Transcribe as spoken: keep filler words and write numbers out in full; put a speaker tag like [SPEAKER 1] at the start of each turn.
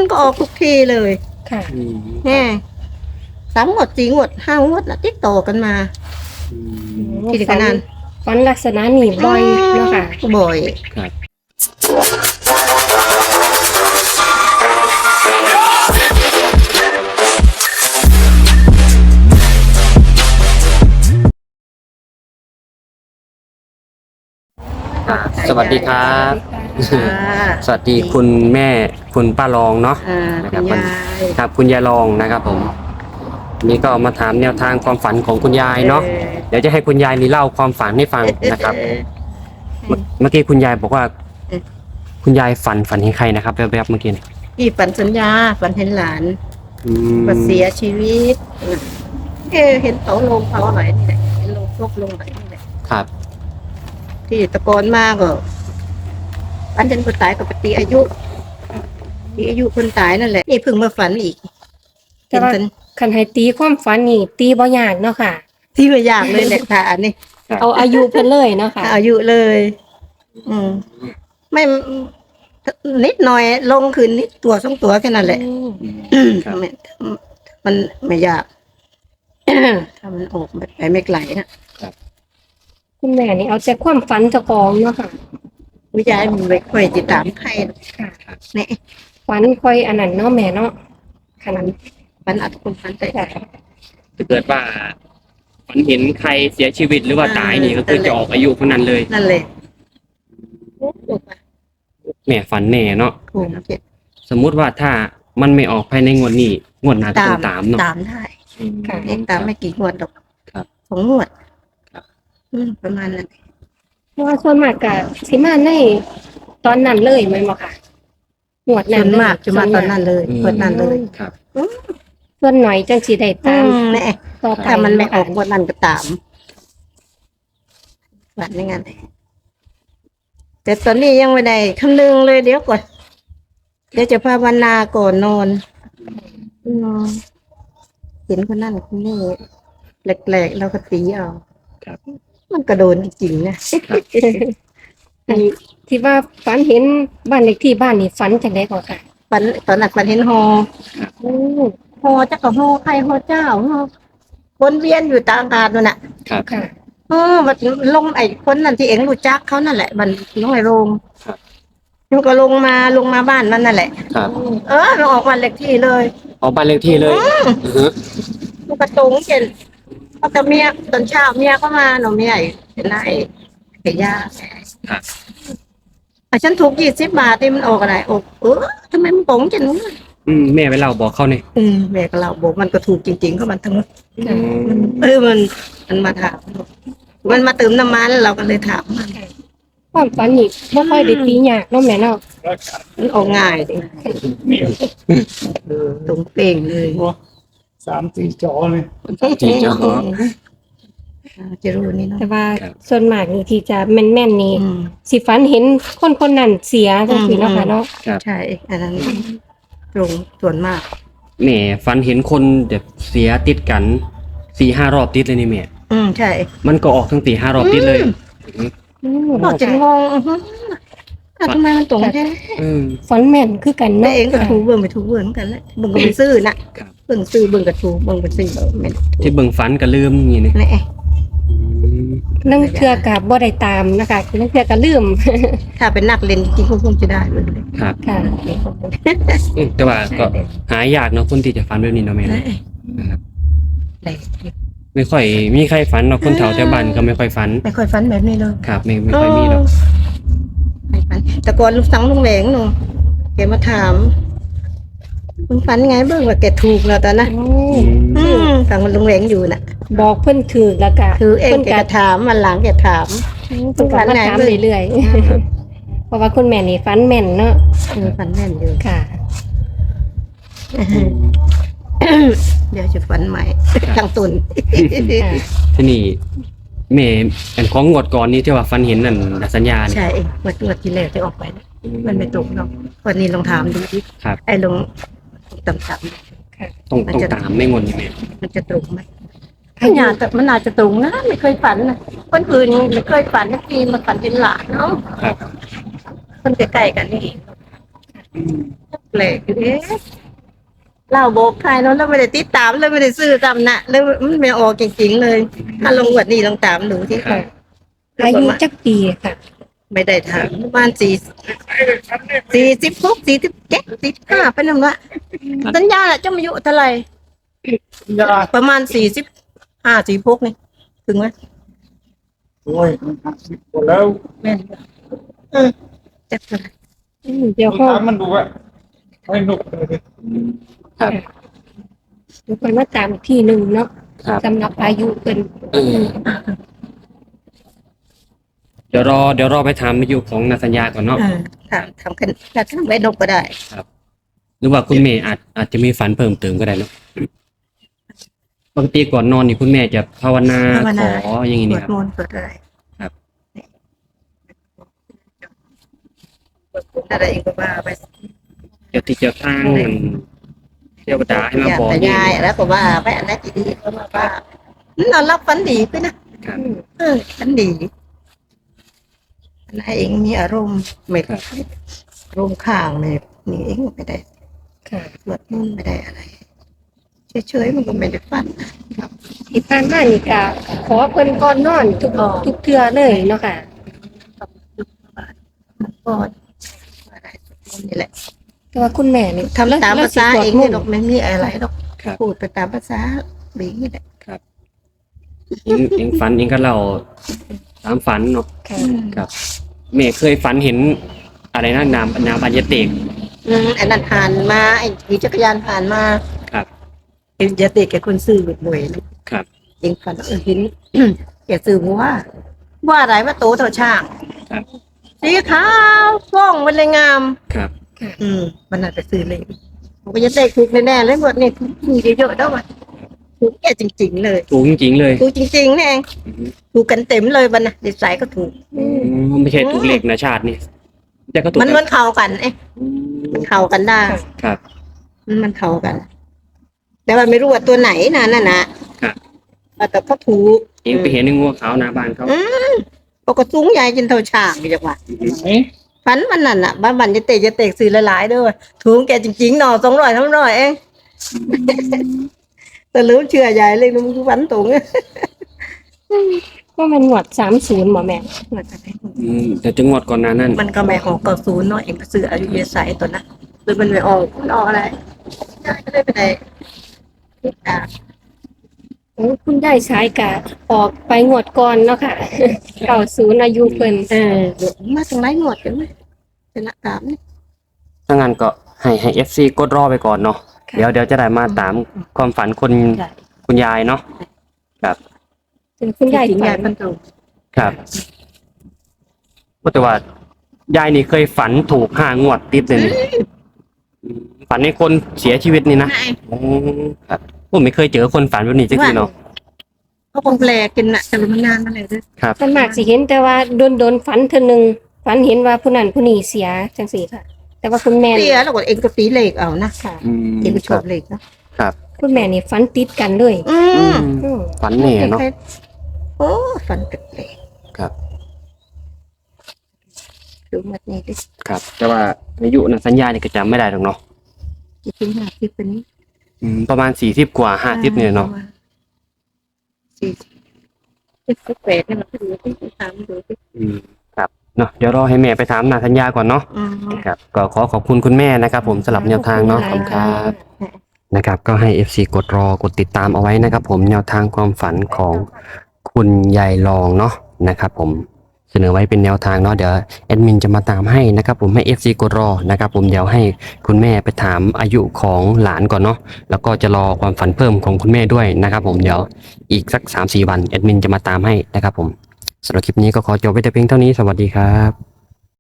[SPEAKER 1] มันก็ออกทุกทีเลย
[SPEAKER 2] ค่ะ
[SPEAKER 1] แน่สามงวดสี่งวดห้างวดนะติดต่อกันมาที่ขนาด
[SPEAKER 2] ฝันลักษณะนี้บ่อยเนาะค่ะ
[SPEAKER 1] บ่อย
[SPEAKER 3] ครับสวัสดีครับสวัสดีคุณแม่คุณป้ารองเนาะนะครับครับคุณยายรองนะครับผมนี่ก็มาถามแนวทางความฝันของคุณยายเนาะเดี๋ยวจะให้คุณยายนี่เล่าความฝันให้ฟังนะครับเมื่อกี้คุณยายบอกว่าคุณยายฝันฝันเห็นใครนะครับแวบๆเมื่อกี้
[SPEAKER 1] พี่ฝันสัญญาฝันเห็นหลานว่าเสียชีวิตเออเห็นเสาลงเสาไหนนี่แหละเห็นลงพวกลงไหนนี่แหละ
[SPEAKER 3] ครับ
[SPEAKER 1] ที่ตะโกนมากก็ฝันเห็นคนตายกับปฏิอายุที่อายุคนตายนั่นแหละนี่เพิ่งมาฝันอีก
[SPEAKER 2] แต่ว่าคันให้ตีความฝันนี่ตีบ่ยากเนาะค่ะ
[SPEAKER 1] ที่บ่ยากเลยแหละค่ะอันนี้
[SPEAKER 2] เอาอายุเพิ่นเลยเนาะค่ะ
[SPEAKER 1] อายุเลยอืมไม่นิดหน่อยลงคืนนิดตัวสองตัวแค่นั้นแหละมันไม่ยากถ้ามันออกไปไม่ไกลนะ
[SPEAKER 2] คุณแม่นี่เอาแต่ความฝันเจ้าของเนาะค่ะ
[SPEAKER 1] วิจัยมันไม่ค่อยติดตามใครค่ะเนี่ย
[SPEAKER 2] ฝันค่อยอันนั้นเนาะแม่เนาะขนาด
[SPEAKER 1] ฝันอัดคนฝันแต่
[SPEAKER 3] ถ้าเกิดว่าฝันเห็นใครเสียชีวิตหรือว่าตายนี่ก็คือจะออกอายุคนนั้นเลย
[SPEAKER 1] นั่นเลย
[SPEAKER 3] แม่ฝันแน่เนาะสมมุติว่าถ้ามันไม่ออกภายในงวดนี้งวดหน้าก็ต้องตามเนาะ
[SPEAKER 1] ตามได้ค่ะเองตามไม่กี่งวดหรอกสองงวดประมาณนั้น
[SPEAKER 2] เพราะว่าส่วนมากก็สิมาในตอนนั้นเลยแม่นบ่ค่ะงวดนั้น
[SPEAKER 1] มากจะมาตอนนั้นเลยงวดนั้นเลย
[SPEAKER 3] ครับ
[SPEAKER 2] ส่วนหน่อยจังสิได้ตาม
[SPEAKER 1] แน่ถ้ามันไม่ออกงวดนั้นก็ตามแบบนี้งั้นแต่ตอนนี้ยังไม่ได้คำนึงเลยเดี๋ยวก่อนเดี๋ยวจะภาวนาก่อนนอนนอนเห็นคนนั่นคนนี้แหลกๆเราก็ตีเอามันกระโดนจริงๆนะ
[SPEAKER 2] ที่ว่าฝันเห็นบ้านเลขที่บ้านนี่ฝันจังได๋ก่อนค่ะ
[SPEAKER 1] ฝันตอนนั้นฝันเห็นฮอโอ้ฮอจักก็ฮอใครฮอเจ้าฮอวนเวียนอยู่ตามอากาศนั่นน่ะ
[SPEAKER 3] ครับ
[SPEAKER 2] ค่ะ
[SPEAKER 1] เออมันลงไอ้คนนั่นที่เอ็งรู้จักเขานั่นแหละมันลงไอ้โรงมันก็ลงมาลงมาบ้านนั่นแหละ
[SPEAKER 3] ครับ
[SPEAKER 1] เออเราออกบ้านเลขที่เลย
[SPEAKER 3] ออกบ้านเลขที่เลย
[SPEAKER 1] มันกระตุงเจนเขาแต่เมียตอนเช้าเมียก็มาหนูเมียเป็นนายเกียา
[SPEAKER 3] ครับ
[SPEAKER 1] แต่ฉันถูกยี่สิบบาทที่มันออกอะไรออกเออทำไมมันโกงจังนู้น
[SPEAKER 3] อืมแม่ไปเล่าบอกเขาเนี่ย
[SPEAKER 1] อืมแม่ก็เล่าบอกมันก็ถูกจริงๆก็มันทั้งหมดเออมันมันมาถามมันมาเติมน้ำมันเราก็เลยถามมัน
[SPEAKER 2] ความฝันนี่บ่ค่อยได้ตียากเนาะแม่เนาะ
[SPEAKER 1] มันออกง่ายดิตรงเป่งเลย
[SPEAKER 4] สามสี่จอเลย
[SPEAKER 3] สี่จอ
[SPEAKER 1] จะรู้นี่เนาะ
[SPEAKER 2] แต่ว่าส่วนมากนี่ที่จะแม่นๆนี่สิฝันเห็นคนคนนั้นเสียจังซี่เนาะค่ะเนาะ
[SPEAKER 1] ใช่อันนั้นตรงส่วนมาก
[SPEAKER 3] แม่ฝันเห็นคนแบบเสียติดกันสี่ห้ารอบติดเลยนี่แม่
[SPEAKER 1] อืมใช่
[SPEAKER 3] มันก็ออกทั้งสี่ห้ารอบติดเลย
[SPEAKER 1] เราจะงงทำไมมันตรงแค่
[SPEAKER 2] ฝันแม่นคือกัน
[SPEAKER 1] เนาะเองก็ถูเบิ่งไปถูเบิ่งกันแหละเบิ่งก็ไปซื้อน่ะเบิ่งซื้อเบิ่งก็ถูเบิ่งไปซื้อแม่น
[SPEAKER 3] ที่เบิ่งฝันก็ลืมอย่างนี้
[SPEAKER 1] นี่
[SPEAKER 2] นั่งเทื่อก็บ่ได้ตามนะคะนั่งเทื่อก็ลืม
[SPEAKER 1] ถ้าเป็นนักเล่นจริงๆคงจะได้เลย
[SPEAKER 3] ครับค่ะแต่ว่าก็หายากเนาะคนที่จะฝันแบบนี้เนาะแม่นะครับไม่ค่อยมีใครฝันเนาะคนแถวแถวบ้านก็ไม่ค่อยฝัน
[SPEAKER 1] ไม่ค่อยฝันแบบนี้เลย
[SPEAKER 3] ครับไม่ไม่ค่อยมีหรอก
[SPEAKER 1] ไม่ฝันแต่ก่อนลูกสังลุงแหวงเนาะแกมาถามมึงฝันไงเบิ่งว่าแกถูกแล้วตอนนะอืมฟังลุงแหวงอยู่น่ะ
[SPEAKER 2] บอกเพิ่นถือแล้วก็
[SPEAKER 1] คือเองแกถามมันหลังแกถาม
[SPEAKER 2] เพิ่นฝันถามเรื่อยๆเพราะว่าคุณแม่นี่ฝันแม่นเนาะ
[SPEAKER 1] ฝันแม่นอยู่
[SPEAKER 2] ค่ะ
[SPEAKER 1] เดี๋ยวจะฝันใหม่ทางตุน
[SPEAKER 3] ที่นี่แม่อันของงวดก่อนนี้ที่ว่าฝันเห็นนั่นสัญญา
[SPEAKER 1] ใช่งวดงวดที่แรกที่ออกไปมันไม่ตรงเนาะวันนี้ลองถามดูดิไอ้ลงต่ำๆ
[SPEAKER 3] ต้องต้องตามไม่งนยังไง
[SPEAKER 1] มันจะตรงไหมถ้าอยากแต่มันอาจจะตรงนะไม่เคยฝันนะคนอื่นไม่เคยฝันนักทีมาฝันเป็นหลานเนาะ
[SPEAKER 3] ครับ
[SPEAKER 1] คนใกล้ๆกันนี่แปลกอยู่เอ๊ะเล่าบอกใครเนาะแล้วไม่ได้ติดตามเลยไม่ได้ซื้อตามนะแล้วมันไม่ออกจริงๆเลยถ้าลงวันนี้ลองตามดูที่
[SPEAKER 3] ครับ
[SPEAKER 2] อายุจักปีค่ะ
[SPEAKER 1] ไม่ได้ถามประมาณสี่สี่สิบหกสี่สิบเจ็ดสี่สิบห้าเป็นยังไงสัญญาแหละเจ้าอายุเท่าไหร่
[SPEAKER 4] ยา
[SPEAKER 1] ประมาณสี่สิบห้าสี่พกนี่ถึงไหม
[SPEAKER 4] โอ้ยมันหักสิบกว่าแล้ว
[SPEAKER 1] แม่นเออจักเท่าไหร่
[SPEAKER 2] อืมเดี๋ยว
[SPEAKER 4] มัน
[SPEAKER 2] เขา
[SPEAKER 4] ถามมันดูว่าไม่หนุกเลย
[SPEAKER 3] ครับ
[SPEAKER 2] เดี๋ยวคนมาตามอีกทีหนึ่งเนาะ
[SPEAKER 3] ครับ
[SPEAKER 2] สำหรับอายุเป็น
[SPEAKER 3] เออเดี๋ยวรอเดี๋ยวรอไปถามอายุของนาสัญญาก่อนเนาะ
[SPEAKER 1] เออทำทำกันถ้าทำไว้นกก็ได้
[SPEAKER 3] หรือว่าคุณแม่อาจอาจจะมีฝันเพิ่มเติมก็ได้เนาะปกติก่อนนอนนี่คุณแม่จะภาวนา
[SPEAKER 1] ภาว
[SPEAKER 3] ข
[SPEAKER 1] นา
[SPEAKER 3] ออย่างนี้
[SPEAKER 1] สว
[SPEAKER 3] นี่
[SPEAKER 1] ด
[SPEAKER 3] ครับ
[SPEAKER 1] มนต์สวดอะไร
[SPEAKER 3] ครับ
[SPEAKER 1] สวดมนต์อะไรอีกก็ว่าไป
[SPEAKER 3] เจ้าที่เจ้าทางมันเทวดาให้มา
[SPEAKER 1] อยาก
[SPEAKER 3] บอก
[SPEAKER 1] แต่
[SPEAKER 3] นี่
[SPEAKER 1] ยายแล้วก็ว่าไปอันนั้นดีๆก็มาว่านอนรับฝันดีขึ้นนะครับ เออฝันดีอันนั้นเองมีอารมณ์ไม่ค่อยอารมณ์ข้างเนี่ยนี่เองไม่ได้
[SPEAKER 2] ค่ะ
[SPEAKER 1] สวดมนต์ไม่ได้อะไรเฉยๆมันก็ไม่ได้ฝัน
[SPEAKER 2] ที่ผ่านมานี่ก็ขอเพิ่นก่อนนอนทุก
[SPEAKER 1] อ๋อ
[SPEAKER 2] ทุกเทื่อเลยเนาะค่ะ
[SPEAKER 1] ก็อะไรสวดมนต์นี่แหละ
[SPEAKER 2] แต่ว่าคุณแม่นี่
[SPEAKER 1] ทำตามภาษาเองเนี่ยหรอกไม่มีอะไรหรอก
[SPEAKER 3] ครับ
[SPEAKER 1] พูดไปตามภาษาบีนี่แหละ
[SPEAKER 3] เองเองฝันเองก็เล่าตามฝันเนาะ
[SPEAKER 2] ค่ะ
[SPEAKER 3] ครับแม่เคยฝันเห็นอะไรนะนามนามบานยเตก
[SPEAKER 1] อืมไอ้นั่นผ่านมาไอ้ขี่จักรยานผ่านมา
[SPEAKER 3] ครับ
[SPEAKER 1] เอ็นจะเด็กแกคนซื้อหน่วยๆลูก
[SPEAKER 3] ครับ
[SPEAKER 1] เองฝันเออเห็น แกซื้อว่าว่าอะไรว่าโตเท่าช้าง
[SPEAKER 3] ครับ
[SPEAKER 1] สีขาวฟ้องมันเลยงาม
[SPEAKER 3] ครับ
[SPEAKER 1] อืมมันน่าไปซื้อเลยผมก็จะเด็กถูกแน่ๆเลยหมดนี่ถูกเยอะๆแล้วว่ะถูกแกจริง ๆ เลย
[SPEAKER 3] ถูกจริงๆเลย
[SPEAKER 1] ถูกจริงๆนี่เองถูกกันเต็มเลยบันนะเด็กสายก็ถูก
[SPEAKER 3] อืมไม่ใช่ถูกเหล็กนะชาตินี่แต่ก็ถูก
[SPEAKER 1] มันมันเข้ากันเอ๊ะ
[SPEAKER 3] อืม
[SPEAKER 1] มันเข้ากันได้
[SPEAKER 3] ครับ
[SPEAKER 1] มันมันเข้ากัน แต่ว่าไม่รู้ว่าตัวไหนนะนั่นนะครับ แต่เขาถูก
[SPEAKER 3] เองไปเห็นในงัวขาวหน้าบ้านเขา
[SPEAKER 1] ปกสูงใหญ่จนเท่าช้างนี่จังหวะ
[SPEAKER 4] ไหน
[SPEAKER 1] ฝันมันนั่นน่ะบ้านบันจะเตะจะเตะซื้อหลายๆเด้วยถูกแกจริงๆหน่อสองร้อยสามร้อยเองแต่ลืมเชื่อใหญ่เลยมันคือฝันตรง
[SPEAKER 2] ว่ามันหวดสามศูนย์หมอแม่
[SPEAKER 3] อืมแต่จังหวัดก่อนหน้านั้น
[SPEAKER 1] มันก็ไม่ออกเก่าศูนย์เนาะเองก็ซื้ออายุเยสายตัวนั้นหรือมันไม่ออกมันออกอะไรได้ก็ได้ไปไหนติดตาม
[SPEAKER 2] โอ้คุณได้สายกะออกไปงวดก่อนเนาะค่ะ เก่าศูนย์อายุเพิ่น
[SPEAKER 1] เออเดี๋ยวมาสังไรหมดกันไหมเป็นละตามนี่
[SPEAKER 3] ถ้างั้นก็ให้ให้เอฟซีกดรอไปก่อนเนาะเดี๋ยวเดี๋ยวจะได้มาตามความฝันคุณ
[SPEAKER 1] ใช่
[SPEAKER 3] คุณยายเนาะครับ
[SPEAKER 2] ถึงคุณยาย
[SPEAKER 1] จริงๆ
[SPEAKER 2] ฝั
[SPEAKER 1] ยาย
[SPEAKER 2] น
[SPEAKER 1] พันตรง
[SPEAKER 3] ครับว่าแต่ว่ายายนี่เคยฝันถูกห้างวดติดเลยนี่อืมฝันในคนเสียชีวิตนี่นะ
[SPEAKER 1] นาย
[SPEAKER 3] อืมครับผมไม่เคยเจอคนฝันแบบนี้จริงๆเนาะ
[SPEAKER 1] เขาคงแปลกกันนะแต่มันนานมาแล้วด้วย
[SPEAKER 3] ครับ
[SPEAKER 2] ส่วนมากสิเห็นแต่ว่าโดนโดนๆฝันเทื่อหนึงฝันเห็นว่าผู้นั้นผู้นี้เสียจังซี่ค่ะ แต่ว่าคุณแม่
[SPEAKER 1] เสี
[SPEAKER 2] นี่
[SPEAKER 1] ยแล้วก็เองก็ตีเหล็กเอานะ
[SPEAKER 2] ค่ะ
[SPEAKER 3] อืม
[SPEAKER 1] เองก็ช
[SPEAKER 3] ครั
[SPEAKER 1] อบบ เหล็กนะ
[SPEAKER 2] คุณแม่นี่ฝันติดกันเลย
[SPEAKER 1] อื
[SPEAKER 3] อื
[SPEAKER 1] ม
[SPEAKER 3] ม
[SPEAKER 2] อืม
[SPEAKER 3] ฝันแน่เนาะ
[SPEAKER 1] โอ้ฝันแปลก
[SPEAKER 3] ครับ
[SPEAKER 1] ๆดูมัดนี้ดิ
[SPEAKER 3] ครับ แต่ว่าอายุนะสัญญาเนี่ยก็จำไม่ได้หรอกเนาะ
[SPEAKER 1] จริงๆห้าสิบเป็นนี้
[SPEAKER 3] อืมประมาณสี่สิบกว่าห้าสิบเนี่ยเนาะ
[SPEAKER 1] สี่สิบเจ็ดสิบแปดนี่มันก็ดูที่สามดูที่
[SPEAKER 3] อืมครับเนาะเดี๋ยวรอให้แม่ไปถามนาสัญญาก่อนเนาะ
[SPEAKER 1] อืม
[SPEAKER 3] ครับก็ขอขอบคุณคุณแม่นะครับ ผมสลับแนวทางเนาะขอบคุณครับนะครับ ก็ให้ เอฟ ซี กดรอกดติดตามเอาไว้นะครับ ผมแนวทางความฝันของคุณยายรองเนาะนะครับ ผมเสนอไว้เป็นแนวทางเนาะเดี๋ยวแอดมินจะมาตามให้นะครับ ผมให้ เอฟ ซี กดรอนะครับ ผมเดี๋ยวให้คุณแม่ไปถามอายุของหลานก่อนเนาะแล้วก็จะรอความฝันเพิ่มของคุณแม่ด้วยนะครับ ผมเดี๋ยวอีกสัก สามสี่ วันแอดมินจะมาตามให้นะครับ ผมสำหรับคลิปนี้ก็ขอจบไว้แต่เพียงเท่านี้สวัสดีครับ